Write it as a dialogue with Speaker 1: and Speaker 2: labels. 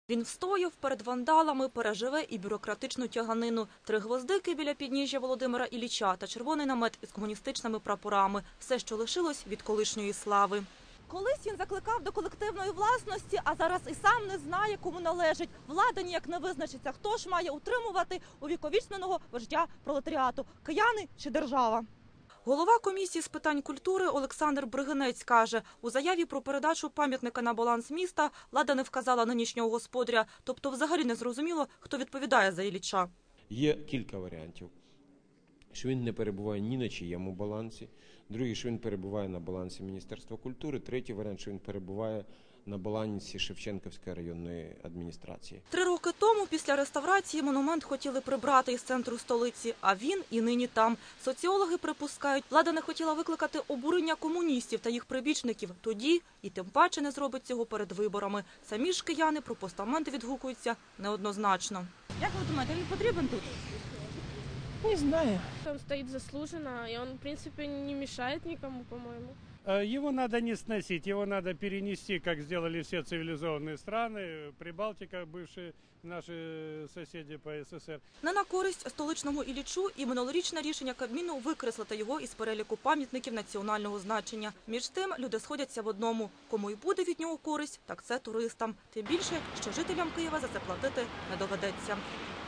Speaker 1: Він встояв перед вандалами, переживе і бюрократичну тяганину. 3 гвоздики біля підніжжя Володимира Ілліча та червоний намет із комуністичними прапорами. Все, що лишилось від колишньої слави. Колись він закликав до колективної власності, а зараз і сам не знає, кому належить. Влада ніяк не визначиться, хто ж має утримувати увіковічненого вождя пролетаріату – кияни чи держава. Голова комісії з питань культури Олександр Бригинець каже, у заяві про передачу пам'ятника на баланс міста влада не вказала нинішнього господаря, тобто взагалі не зрозуміло, хто відповідає за Ілліча.
Speaker 2: Є кілька варіантів, що він не перебуває ні на чиєму балансі, другий, що він перебуває на балансі Міністерства культури, третій варіант, що він перебуває на балансі Шевченківської районної адміністрації.
Speaker 1: 3 роки тому після реставрації монумент хотіли прибрати із центру столиці, а він і нині там. Соціологи припускають, влада не хотіла викликати обурення комуністів та їх прибічників тоді і тим паче не зробить цього перед виборами. Самі ж кияни про постаменти відгукуються неоднозначно. Як ви думаєте, він потрібен тут?
Speaker 3: Не знаю.
Speaker 4: Он стоит заслуженно, и он, в принципе, не мешает никому, по-моему.
Speaker 5: Его надо не сносить, его надо перенести, как сделали все цивилизованные страны, Прибалтика, бывшие наши соседи по СССР.
Speaker 1: Не на користь столичному Іллічу і минулорічне рішення Кабміну викреслити його із переліку пам'ятників національного значення. Між тим, люди сходяться в одному. Кому й буде від нього користь, так це туристам. Тим більше, що жителям Києва за це платити не доведеться.